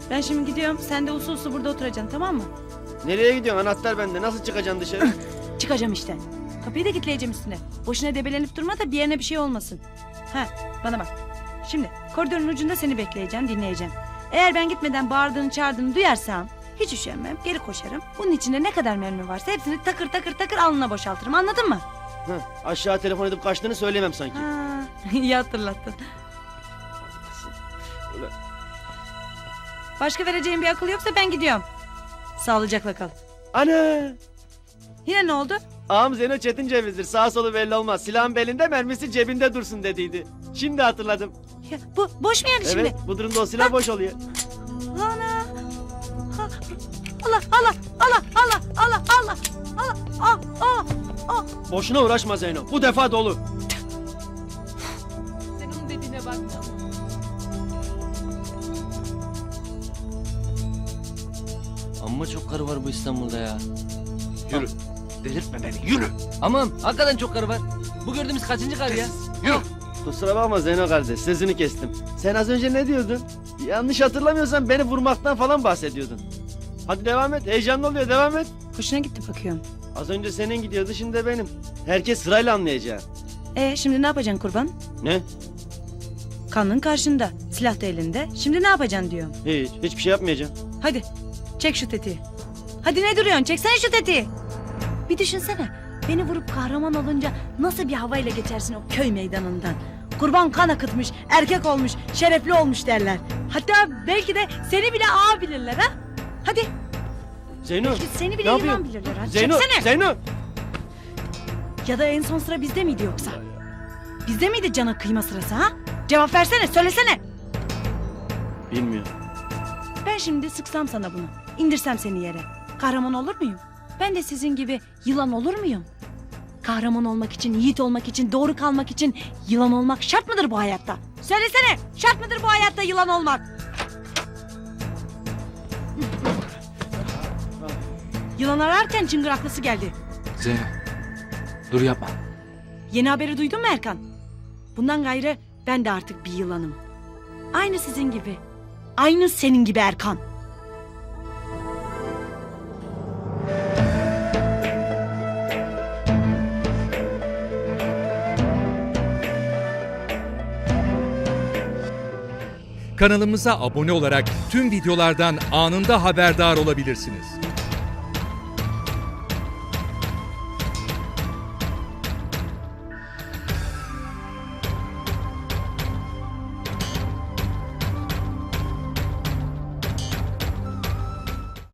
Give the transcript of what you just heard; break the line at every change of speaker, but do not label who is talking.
Ben şimdi gidiyorum. Sen de usul usul burada oturacaksın, tamam mı?
Nereye gidiyorsun? Anahtar bende. Nasıl çıkacaksın dışarı?
Çıkacağım işte. Kapıyı da kilitleyeceğim üstüne. Boşuna debelenip durma da bir yerine bir şey olmasın. Ha, bana bak. Şimdi koridorun ucunda seni bekleyeceğim, dinleyeceğim. Eğer ben gitmeden bağırdığını çağırdığını duyarsam hiç üşenmem, geri koşarım. Bunun içinde ne kadar mermi varsa hepsini takır takır takır alnına boşaltırım, anladın mı?
Aşağı telefon edip kaçtığını söylemem sanki.
Ha, iyi hatırlattın.
Ulan,
Başka vereceğim bir akıl yoksa ben gidiyorum. Sağlıcakla kal.
ana!
Yine ne oldu?
Ağam Zeno Çetin Ceviz'dir. Sağ solu belli olmaz. Silahın belinde, mermisi cebinde dursun dediydi. Şimdi hatırladım.
Ya, bu boş mu yani
Evet,
şimdi?
bu durumda o silah boş oluyor.
Ana! Ha, Allah Allah Allah Allah Allah Allah Allah ah ah ah.
Boşuna uğraşma Zeyno. Bu defa dolu.
Sen onun dediğine bakma.
Amma çok karı var bu İstanbul'da ya.
Yürü. Delirtme beni. Yürü.
Aman hakikaten çok karı var. Bu gördüğümüz kaçıncı karı ya?
Yürü. Kusura bakma Zeyno kardeş. Sözünü kestim. Sen az önce ne diyordun? Yanlış hatırlamıyorsan beni vurmaktan falan bahsediyordun. Hadi devam et. Heyecanlı oluyor. Devam et.
Hoşuna gitti bakıyorum.
Az önce senin gidiyordu, şimdi de benim. Herkes sırayla anlayacak.
Şimdi ne yapacaksın kurban?
Ne?
Kanın karşında, silah da elinde. Şimdi ne yapacaksın diyorum.
Hiçbir şey yapmayacağım.
Hadi çek şu tetiği. Hadi ne duruyorsun? Çeksene şu tetiği. Bir düşünsene. Beni vurup kahraman olunca nasıl bir havayla geçersin o köy meydanından. Kurban kan akıtmış, erkek olmuş, şerefli olmuş derler. Hatta belki de seni bile ağa bilirler ha. Hadi.
Zeyno.
Belki seni bile
ne
yılan
yapıyorsun?
bilirler ha.
Zeyno.
Çeksene.
Zeyno.
Ya da en son sıra bizde miydi yoksa? Bizde miydi cana kıyma sırası ha? Cevap versene, söylesene.
Bilmiyorum.
Ben şimdi sıksam sana bunu. İndirsem seni yere. Kahraman olur muyum? Ben de sizin gibi yılan olur muyum? Kahraman olmak için, yiğit olmak için, doğru kalmak için yılan olmak şart mıdır bu hayatta? Söylesene, şart mıdır bu hayatta yılan olmak? Yılan ararken çıngıraklısı geldi.
Zeyno. Dur yapma.
Yeni haberi duydun mu Erkan? Bundan gayrı ben de artık bir yılanım. Aynı sizin gibi. Aynı senin gibi Erkan.
Kanalımıza abone olarak tüm videolardan anında haberdar olabilirsiniz.